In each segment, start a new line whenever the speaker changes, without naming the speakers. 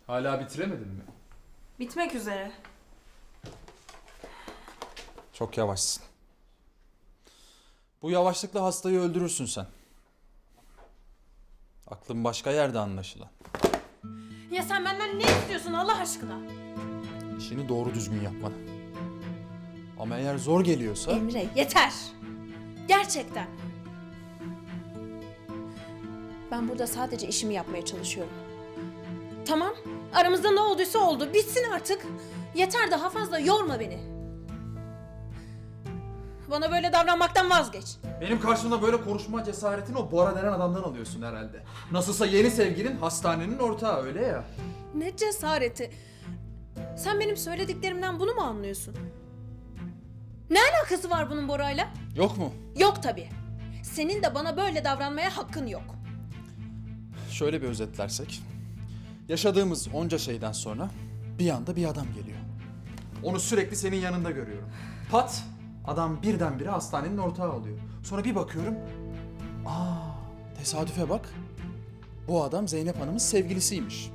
Hala bitiremedin mi?
Bitmek üzere.
Çok yavaşsın. Bu yavaşlıkla hastayı öldürürsün sen. Aklın başka yerde anlaşılan.
Ya sen benden ne istiyorsun Allah aşkına?
İşini doğru düzgün yapmanı. Ama eğer zor geliyorsa...
Emre yeter. Gerçekten. Ben burada sadece işimi yapmaya çalışıyorum. Tamam. Aramızda ne olduysa oldu. Bitsin artık. Yeter, daha fazla yorma beni. Bana böyle davranmaktan vazgeç.
Benim karşımda böyle konuşma cesaretini o Bora denen adamdan alıyorsun herhalde. Nasılsa yeni sevgilin hastanenin ortağı, öyle ya.
Ne cesareti. Sen benim söylediklerimden bunu mu anlıyorsun? Ne alakası var bunun Bora'yla?
Yok mu?
Yok tabii. Senin de bana böyle davranmaya hakkın yok.
Şöyle bir özetlersek. Yaşadığımız onca şeyden sonra bir anda bir adam geliyor. Onu sürekli senin yanında görüyorum. Pat! Adam birdenbire hastanenin ortağı oluyor. Sonra bir bakıyorum. Tesadüfe bak. Bu adam Zeynep Hanım'ın sevgilisiymiş.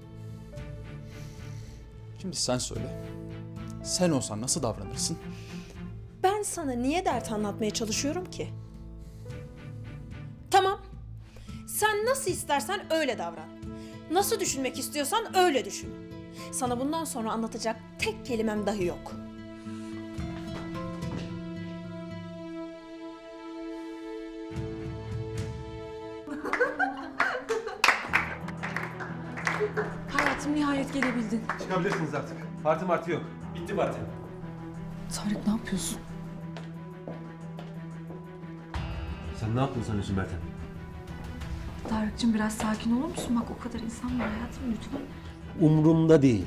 Şimdi sen söyle. Sen olsan nasıl davranırsın?
Ben sana niye dert anlatmaya çalışıyorum ki? Tamam. Sen nasıl istersen öyle davran. Nasıl düşünmek istiyorsan öyle düşün. Sana bundan sonra anlatacak tek kelimem dahi yok.
Hayatım nihayet gelebildin.
Çıkabilirsiniz artık. Parti yok. Bitti parti.
Tarık ne yapıyorsun?
Sen ne yaptın sanıyorsun Meltem?
Tarık'cığım biraz sakin olur musun? Bak o kadar insan var hayatım lütfen.
Umrumda değil.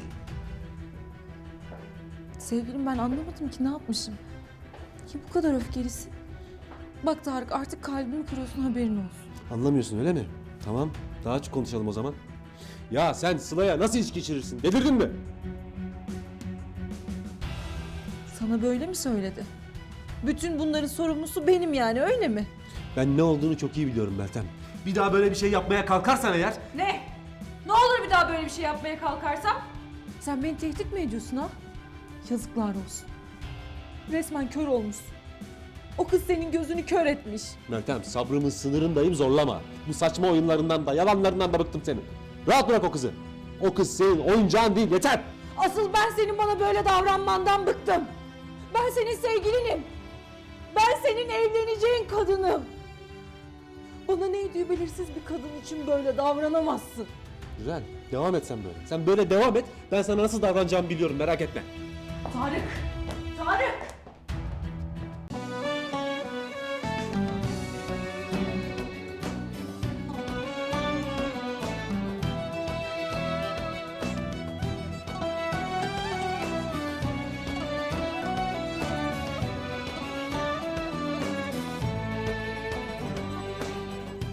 Sevgilim ben anlamadım ki ne yapmışım. Ki bu kadar öfkelisin. Bak Tarık artık kalbimi kırıyorsun haberin olsun.
Anlamıyorsun öyle mi? Tamam. Daha açık konuşalım o zaman. Ya sen Sıla'ya nasıl içki içirirsin? Delirdin mi?
Sana böyle mi söyledi? Bütün bunların sorumlusu benim yani öyle mi?
Ben ne olduğunu çok iyi biliyorum Meltem. Bir daha böyle bir şey yapmaya kalkarsan eğer...
Ne? Ne olur bir daha böyle bir şey yapmaya kalkarsam? Sen beni tehdit mi ediyorsun ha? Yazıklar olsun. Resmen kör olmuşsun. O kız senin gözünü kör etmiş.
Meltem sabrımın sınırındayım, zorlama. Bu saçma oyunlarından da yalanlarından da bıktım senin. Rahat bırak o kızı. O kız senin oyuncağın değil, yeter.
Asıl ben senin bana böyle davranmandan bıktım. Ben senin sevgilinim. Ben senin evleneceğin kadınım. Bana ne ediyor belirsiz bir kadın için böyle davranamazsın.
Güzel. Devam et sen böyle. Sen böyle devam et. Ben sana nasıl davranacağımı biliyorum, merak etme.
Tarık! Tarık!